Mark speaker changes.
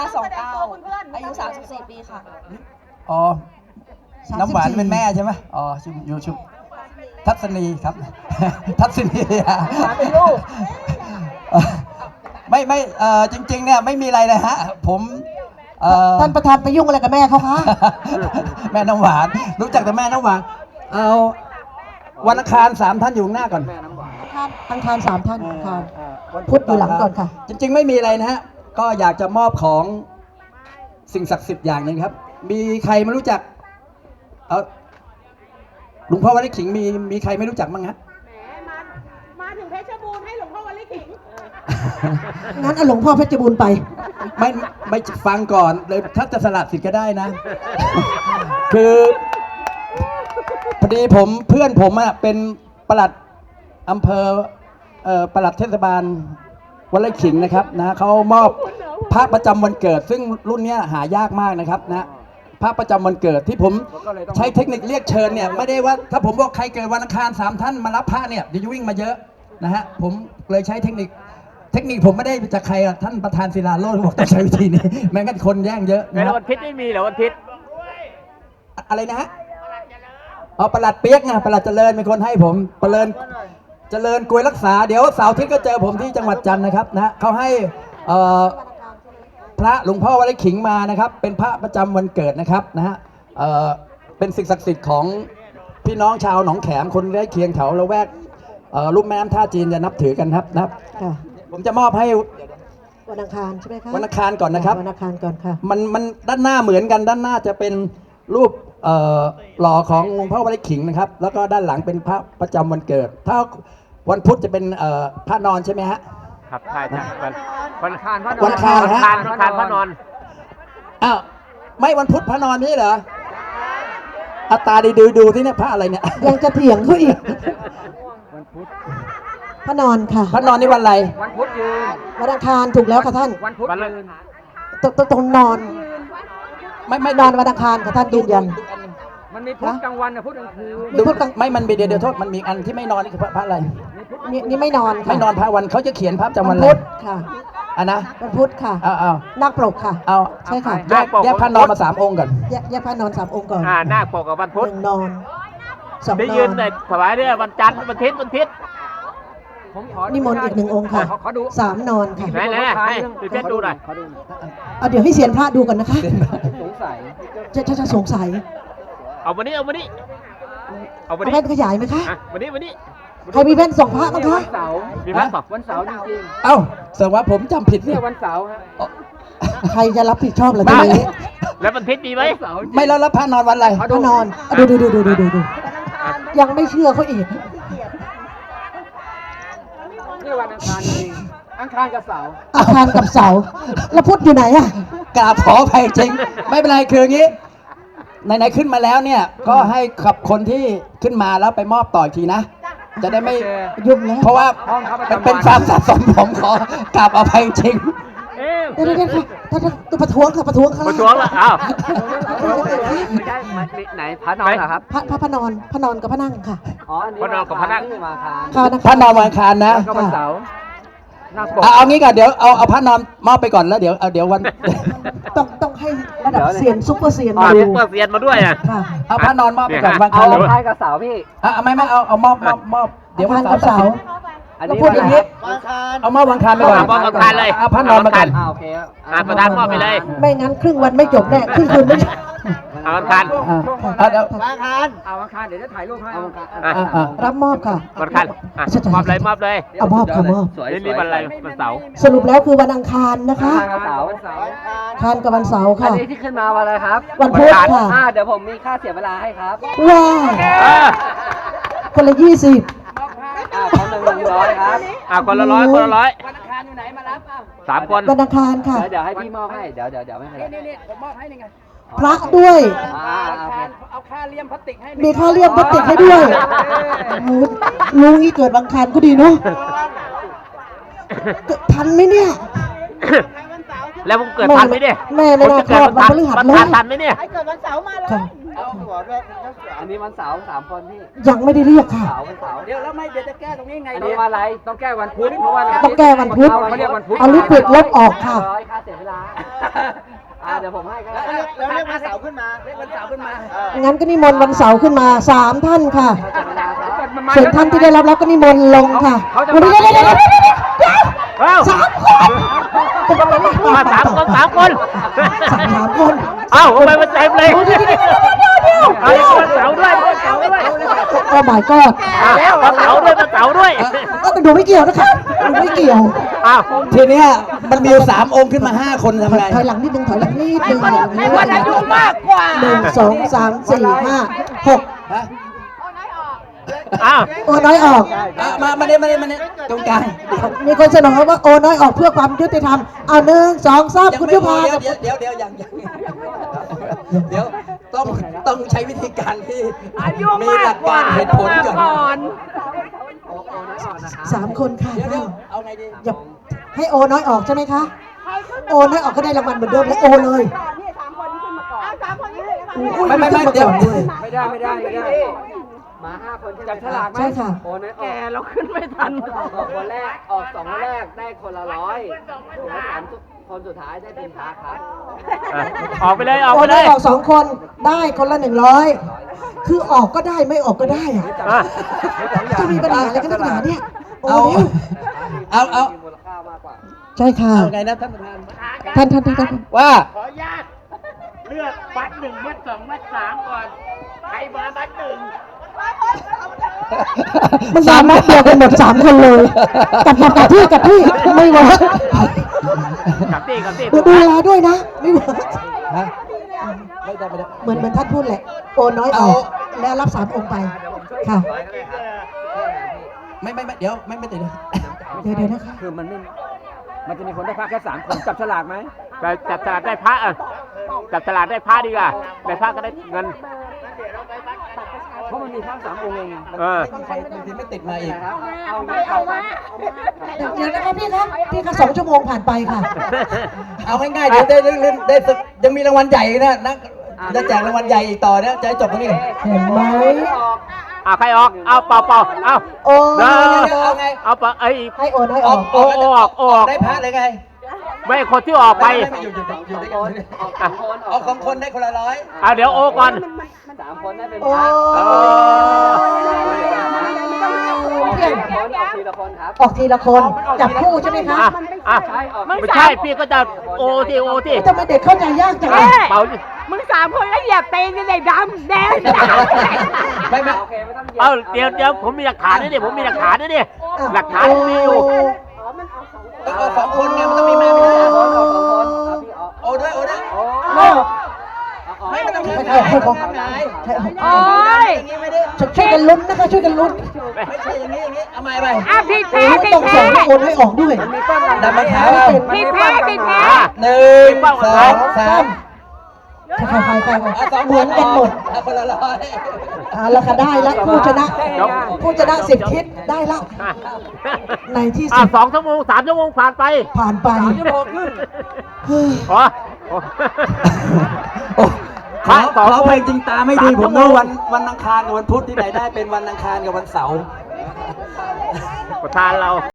Speaker 1: 29อายุ34ปีค่ะ
Speaker 2: อ๋อน้ำหวานเป็นแม่ใช่ไหมอ๋ออยู่ชุบทัศนีครับ ทัศนีเป็นลูกไม่จริงๆเนี่ยไม่มีอะไรเลยฮะผม
Speaker 3: ท่านประธานไปยุ่งอะไรกับแม่เขาคะ
Speaker 2: แม่น้ำหวานรู้จักแต่แม่น้ำหวานเอาวันอังคาร3 ท่านอยู่ข้างหน้าก่อน
Speaker 3: อังคาร3 ท่านค่ะพุธอยู่หลังก่อนค่ะ
Speaker 2: จริงๆไม่มีอะไรนะฮะก็อยากจะมอบของสิ่งศักดิ์สิทธิ์อย่างหนึ่งครับมีใครไม่รู้จักหลวงพ่อวัดไร่ขิงมีใครไม่รู้จักบ้างฮะ
Speaker 4: มาถึงเพชรบูรณ์ให้หลวงพ่อวัดไร่ขิง
Speaker 3: งั้นเอาหลวงพ่อเพชรบูรณ์ไป
Speaker 2: ไม่ฟังก่อนเลยถ้าจะสลัดสิทธิ์ก็ได้นะ คือพอดีเพื่อนผมเป็นปลัดอำเภอปลัดเทศบาลวัดไร่ขิงนะครับนะเขามอบพระประจำวันเกิดซึ่งรุ่นนี้หายากมากนะครับนะพระประจำวันเกิดที่ผมใช้เทคนิคเรียกเชิญเนี่ยไม่ได้ว่าถ้าผมบอกใครเกิดวันอังคาร3 ท่านมารับพระเนี่ยเดี๋ยวจะวิ่งมาเยอะนะฮะผมเลยใช้เทคนิคผมไม่ได้จากใครท่านประธานศิลาโรจน์บอกต้องใช้วิธีนี้แม้งั้นคนแย่งเยอะ
Speaker 5: นะวันพิษไม่มีเหรอวันพิษ
Speaker 2: อะไรนะฮะอ๋อประหลัดเปียกไงประหลัดเจริญเป็นคนให้ผมเจริญกวยรักษาเดี๋ยวเสาร์อาทิตย์ก็เจอผมที่จังหวัดจันทร์นะครับนะเขาให้พระหลวงพ่อวัดไร่ขิงมานะครับเป็นพระประจำวันเกิดนะครับนะฮะเป็นสิ่งศักดิ์สิทธิ์ของพี่น้องชาวหนองแขมคนใกล้เคียงแถวละแวกลุ่มแม่น้ำท่าจีนจะนับถือกันครับนะครับผมจะมอบให้
Speaker 3: วันอังคารใช่ไหมคะ
Speaker 2: วันอังคารก่อนนะครับ
Speaker 3: วันอังคารก่อนค่ะ
Speaker 2: มันด้านหน้าเหมือนกันด้านหน้าจะเป็นรูปหล่อของหลวงพ่อวัดไร่ขิงนะครับแล้วก็ด้านหลังเป็นพระประจำวันเกิดถ้าวันพุธจะเป็นพระนอนใช่ไหมฮะ
Speaker 5: ครับใช่วันคารพระนอน
Speaker 2: วันคารฮะ
Speaker 5: วันคารพระนอน
Speaker 2: อ้าวไม่วันพุธพระนอนนี่เหรออัตตาดีดูที่เนี่ยพระอะไรเนี่ย
Speaker 3: ยังจะเถียงเขาอีกวันพุธพระนอนค่ะ
Speaker 2: พระนอนนี่วันอะไร
Speaker 5: วันพุธยืน
Speaker 3: วันอังคารถูกแล้วค่ะท่าน
Speaker 5: วันพุธยืน
Speaker 3: ตรงนอนไม่นอนวันอังคารค่ะท่านยืนยัน
Speaker 5: มันมีพุธกลางวันกับพุธกลางคืน
Speaker 2: ไม่มันมีเดี๋ยวโทษมันมีอันที่ไม่นอนนี่คือพระอะไร
Speaker 3: นี่ไม่นอน
Speaker 2: ไม่นอนพระวันเขาจะเขียนพระจำวัน
Speaker 3: พุธค่ะ
Speaker 2: นะ
Speaker 3: วันพุธค่ะ
Speaker 2: เอา
Speaker 3: นาคปกค่ะใช่ค่ะ
Speaker 2: แยกพระนอนมา3 องค์ก่อน
Speaker 3: แยกพระนอน3 องค์ก่อน
Speaker 5: นาคปกกับวันพุธ
Speaker 3: 1 นอน2 นอน
Speaker 5: ได้ยืนแต่ถวายเนี่ยวันจันทร์วันอาทิตย์
Speaker 3: นิมนต์อีก1 องค์ค่ะ3 นอนค่ะ
Speaker 5: ไหนให้เพชรดูหน่อย
Speaker 3: เดี๋ยวให้เซียนพระดูก่อนนะคะ
Speaker 5: สงสัย
Speaker 3: จะสงสัย
Speaker 5: เอาวันนี้
Speaker 3: แว่นขยายไหมคะ
Speaker 5: วันนี้
Speaker 3: ใครมีแว่น2 พระบ้างคะ
Speaker 5: มีแว่นวันเสาร์จริง
Speaker 2: ๆเอ้าแสดงว่าผมจำผิด
Speaker 5: เนี่ยวันเสาร์ฮะ
Speaker 3: ใครจะรับผิดชอบเหรอทีนี้
Speaker 5: แล้ววันพิษมีไหม
Speaker 2: ไม่แล้วพระนอนวันอะไร
Speaker 3: พระนอนดูยังไม่เชื่อเขาอีก
Speaker 5: นี่วันอังคารจริงอังคารกับเสาร์
Speaker 3: แล้วพุธอยู่ไหนอะ
Speaker 2: กราบขออภัยจริงไม่เป็นไรคืออย่างนี้ไหนๆขึ้นมาแล้วเนี่ยก็ให้ขับคนที่ขึ้นมาแล้วไปมอบต่ออีกทีนะจะได้ไม่
Speaker 3: ยุ่งนะ
Speaker 2: เพราะว่าเป็นความสะสมผมขอกราบอภัยจริง
Speaker 3: เดี๋ยวตัวประท้วงค่ะ
Speaker 5: ประท้วงละอ้าว
Speaker 1: ไม่ได้ไหนพระนอนเหรอครับ
Speaker 3: พระนอนกับพระนั่งค่ะ
Speaker 1: อ๋อ
Speaker 5: พระนอนกับพระนั่ง
Speaker 2: พระนอนวันอังคารนะ
Speaker 5: ก็วันเสาร์
Speaker 2: เอางี้ก่อนเดี๋ยวเอาพระนอนมอบไปก่อนแล้วเดี๋ยววัน
Speaker 3: ต้องให้ระดับเซียนซุปเปอร์เซียนมาดู
Speaker 5: ซุปเปอร์เซียนมาด้วยอ่ะ
Speaker 2: เอาพระนอนมอบไปก่อนวัน
Speaker 1: เอาใครกับเสาพี่
Speaker 2: ไม่เอามอบเดี๋ยววันเสาร์
Speaker 3: อันนี้พูดอย่างนี้
Speaker 2: เอามอบวันอังคารไปก่อน
Speaker 5: มอบวันอังคารเลย
Speaker 2: เอาพระนอนมาก่อน
Speaker 1: โอเค
Speaker 5: ประธานมอบไปเลย
Speaker 3: ไม่งั้นครึ่งวันไม่จบแน่ครึ่งคืนไม่
Speaker 5: เอาวันอังคาร
Speaker 1: วันอังคารเดี๋ยวจะถ่ายรูปให้
Speaker 3: รับมอบค่ะ
Speaker 5: วันอังคารมอบเลย
Speaker 3: เอามอบค่ะมอบ
Speaker 5: นี่วันอะไรวันเสาร์
Speaker 3: สรุปแล้วคือวันอังคารนะคะ
Speaker 1: วันเสาร์
Speaker 3: คารกับวันเสาร์ค่ะ
Speaker 1: อันนี้ที่ขึ้นมาวันอะไรครับ
Speaker 3: วันพุธค่ะ
Speaker 1: เดี๋ยวผมมีค่าเสียเวลาให้ครับ
Speaker 3: ว้าคนละ20
Speaker 1: คนละ100ครับ
Speaker 5: คนละ100
Speaker 1: วันอังคารอยู่ไหนมารับ
Speaker 5: 3 คน
Speaker 3: วันอังคารค่ะ
Speaker 1: เดี๋ยวให้พี่มอบให้เดี๋ยวไม่เป็นไรนี่ผมมอบให้นี่ไง
Speaker 3: พระด้วย
Speaker 1: เอาค่าเลี่ยมพลาสติกให้
Speaker 3: มีค่าเลี่ยมพลาสติกให้ด้วยลุงนี่เกิดวันอังคารก็ดีเนาะทันไหมเนี่ย
Speaker 5: แล้วผมเกิดทันไหมเนี่ย
Speaker 3: แม่ไม่น่าคลอดวันพฤหัสเลย
Speaker 5: ทันไหมเนี่ย
Speaker 1: เกิดวันเสาร์มาเลยอันนี้วันเสาร์3 คนพี่
Speaker 3: ยังไม่ได้เรียกค่ะ
Speaker 1: เสาร์วันเสาร์
Speaker 2: เดี๋ยวแล้วไม่เดี๋ยวจะแก้ตรงนี้ไง
Speaker 1: อัน
Speaker 2: ดี
Speaker 1: นี้วันอะไรต้องแก้วันพุธเพราะว่า
Speaker 3: ต้องแก้วันพุธ
Speaker 1: เขาเรียกวันพุธ
Speaker 3: เอาลิปิดลบออกค่ะ
Speaker 1: ร้อยค่าเสียเวลาเดี๋ยวผมให้ก็ได้
Speaker 2: แล้วเรียกวันเสาร์ขึ้นมาเรียกวันเสาร์ขึ้นมา
Speaker 3: งั้นก็นิมนต์วันเสาร์ขึ้นมา3 ท่านค่ะ
Speaker 1: ค่าเสียเวลาครับ
Speaker 3: ส่วนท่านที่ได้รับแล้วก็นิมนต์ลงค่ะวันนี้เดี๋ยวสามคน
Speaker 6: มาสามคน
Speaker 3: สามคน
Speaker 6: เอ้าทำไมมันเต็มเลย
Speaker 3: เดี๋ยว
Speaker 6: เอาวันเสาร์ด้วยวันเสาร์ด้วย
Speaker 3: โอ้ my god
Speaker 6: วันเสาร์ด้วยวันเสาร์ด้วย
Speaker 3: ดูไม่เกี่ยวนะคะดูไม่เกี่ยว
Speaker 6: อ้าว
Speaker 2: ทีเนี้ยมันมีอยู่3 องค์ขึ้นมา5 คนทำไง
Speaker 3: ถอยหลังนิดนึงถอยหลังนิดนึงให้คนอายุมากกว่า1 2 3 4 5 6
Speaker 2: ฮะ
Speaker 6: อ้าว
Speaker 3: โอ้น้อยออก
Speaker 2: มาเนี่ยตรงกลาง
Speaker 3: มีคนเสนอว่าโอ้น้อยออกเพื่อความยุติธรรมเอา1 2 3คุณยุพา
Speaker 2: เดี๋ยวยังเดี๋ยวต้องใช้วิธีการที่มีหลักการเหตุผลก่อน
Speaker 3: 3 คนค่ะ
Speaker 2: เดี๋ยวเอาไงดี
Speaker 3: อย่าให้โอน้อยออกใช่ไหมคะ โอน้อยออกก็ได้รางวัลเหมือนเดิมและโอเลย
Speaker 4: นี่3 คนนี้ขึ้นมาก่อน3 คนนี้ขึ้นมา
Speaker 3: อุ้ย
Speaker 2: ไม่
Speaker 3: ขึ้นมา
Speaker 2: เดี๋ยว
Speaker 3: ก่อนด้วย
Speaker 1: ไม่ได้มา5 คนจับฉลากไหม
Speaker 3: ใช่ค่ะ
Speaker 1: โอ้ยแกเราขึ้นไม่ทันออกคนแรกออก2 คนแรกได้คนละ100แล้ว3 คนสุดท้ายได้เป็นพาครับ
Speaker 6: ออกไปเลยออก
Speaker 3: โอ
Speaker 6: ไปเล
Speaker 3: น้อย
Speaker 6: ย
Speaker 3: ออก2 คนได้คนละ100คือออกก็ได้ไม่ออกก็ได้อะ
Speaker 6: อ่ะ
Speaker 3: จะมีปัญหาอะไรกันนักหนาเนี่ยโอ้
Speaker 2: เอา
Speaker 3: เร็ว
Speaker 2: เอา
Speaker 1: มีมูลค่ามากกว่า
Speaker 3: ใช่ค่ะ
Speaker 2: เอาไงนะท่านประธาน
Speaker 3: ท่าน
Speaker 2: ว่า
Speaker 6: เลือกบัตร1 บัตร 2 บัตร 3 ก่อน ใครมาบัตร 1
Speaker 3: มันสามารถเดียวกันหมด3 คนเลยกับที่ไม่เวิร์ก
Speaker 6: กับตีกับตี
Speaker 3: ดูแลด้วยนะไม่เวิร์ก
Speaker 2: ฮะไม่ได้
Speaker 3: เหมือนท่านพูดแหละโอน้อยออกแล้วรับ3 องค์ไปค่ะ
Speaker 2: ไม่เดี๋ยวไม่ติด
Speaker 3: เดี๋ยวนะคะ
Speaker 5: คือมันจะมีคนได้พักแค่3 คนจับฉลากไหม
Speaker 6: ไปจับฉลากได้พระอ่ะจับฉลากได้พระดีกว่าได้พระก็ได้เงิน
Speaker 5: เพราะมันมีพัก3 องค์เองไง
Speaker 6: เออ
Speaker 2: ใครบางทีไม่ติดมาอีก
Speaker 4: เอามา
Speaker 3: เดี๋ยวนะคะพี่คะ2 ชั่วโมงผ่านไปค่ะ
Speaker 2: เอาง่ายๆเดี๋ยวได้ยังมีรางวัลใหญ่นะจะแจกรางวัลใหญ่อีกต่อเนี่ยจะให้จบตรงนี้เลย
Speaker 3: เห็นไหม
Speaker 6: เอาใครออกเอาเป่าเอา
Speaker 3: โอ้
Speaker 6: เด้อ
Speaker 2: เอาไง
Speaker 6: เอาเป่าไอ้
Speaker 3: ให้โอน้อยออก
Speaker 6: ออก
Speaker 2: ได้พระเลยไง
Speaker 6: ไม่คนที่ออกไป
Speaker 2: อยู่ด้วยกัน
Speaker 1: ออก2 คน
Speaker 2: ออก2 คนได้คนละ100
Speaker 6: เอาเดี๋ยวโอก่อน
Speaker 1: 3 คนได้เป็น
Speaker 3: โอ้
Speaker 1: พา
Speaker 6: เออ
Speaker 1: ออกทีละคนครับ
Speaker 3: ออกทีละคนจับคู่ใช่ไหมคะ
Speaker 6: อ่ะไม่ใช่พี่ก็จะโอที่
Speaker 3: ทำไมเด็กเข้าใจยากจังเลย
Speaker 6: เป่า
Speaker 4: มึง3 คนแล้วเหยียบเตงกันเลยดำแดง
Speaker 2: ไม่
Speaker 1: โอเคไม่ต้องเหยียบ
Speaker 6: เอาเดี๋ยวผมมีหลักฐานด้วยดิผมมีหลักฐานด้วยดิหลักฐานมีอยู่
Speaker 2: ต้องเอา2 คนไงมันต้องมีแม่ไม่ได้
Speaker 1: ออก2 คนพี่ออก
Speaker 2: โอ้ด้วย ไม่ต้อง
Speaker 3: ให้ผม
Speaker 2: ทำไง
Speaker 4: โอ้ย
Speaker 2: อย่างนี้ไม่ได้
Speaker 3: ช่วยกันลุ้นนะคะช่วยกันลุ้น
Speaker 2: ไม่ใช่อย่างนี้เอาใหม่
Speaker 4: ผิด
Speaker 3: โอ้
Speaker 4: แพ้
Speaker 3: ยต้องส่งให้โอนให้ออกด้วย
Speaker 2: ดับมาเท้า
Speaker 4: ผิดแพ้
Speaker 2: 1 2 3
Speaker 3: ใครเหมือนกันหมด
Speaker 2: คนละ100
Speaker 3: แล้วก็ได้ละผู้ชนะผู้ชนะ10 ทิศได้ละในที่สุด
Speaker 6: 2 ชั่วโมง 3 ชั่วโมงผ่านไป
Speaker 3: ผ่านไป
Speaker 6: อ๋อ
Speaker 2: ขอเพลงจริงตาไม่ดีผมรู้วันอังคารกับวันพุธที่ไหนได้เป็นวันอังคารกับวันเสาร์
Speaker 6: ประธานเรา